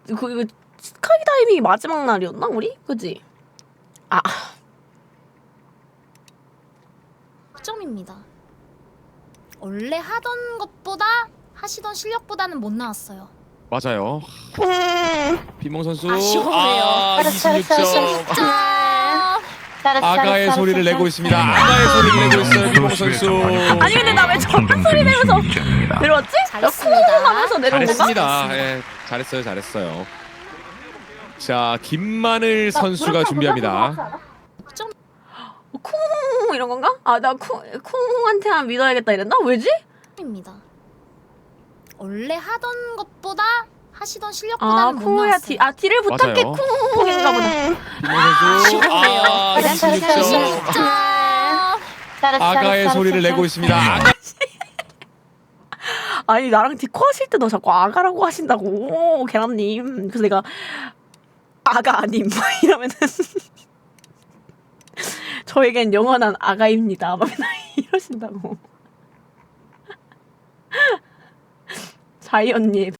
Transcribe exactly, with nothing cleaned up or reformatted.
그 이거 스카이다이빙이 마지막 날이었나 우리? 그지? 아. 점입니다. 원래 하던 것보다 하시던 실력보다는 못 나왔어요. 맞아요. 음. 비몽 선수 아쉬워요. 아 이십육 점. 점. 아가의 소리를 내고 있습니다. 아가의 소리를 내고 있어요. 비몽 선수. 아니 근데 나 왜 저런 소리 내면서 내려왔지? 잘했습니다. 하면서 내려온 건가? 잘했습니다. 예, 잘했어요, 잘했어요. 자, 김마늘 선수가 준비합니다. 점. 쿵 이런 건가? 아 나 쿵 쿵한테만 믿어야겠다 이랬나? 왜지? 입니다. 원래 하던 것보다 하시던 아 실력보다는 못 쿵야 나왔어요. 디, 아 딜을 부탁해 맞아요. 쿵인가 보다. 비몽 선수 아 이십육 점. 점. 아가의 소리를 내고 있습니다. 아가... 아니 나랑 디코 하실 때도 자꾸 아가라고 하신다고 계란님. 그래서 내가 아가 아님 막 이러면은 저에겐 영원한 아가입니다 막 맨날 이러신다고. 자이언님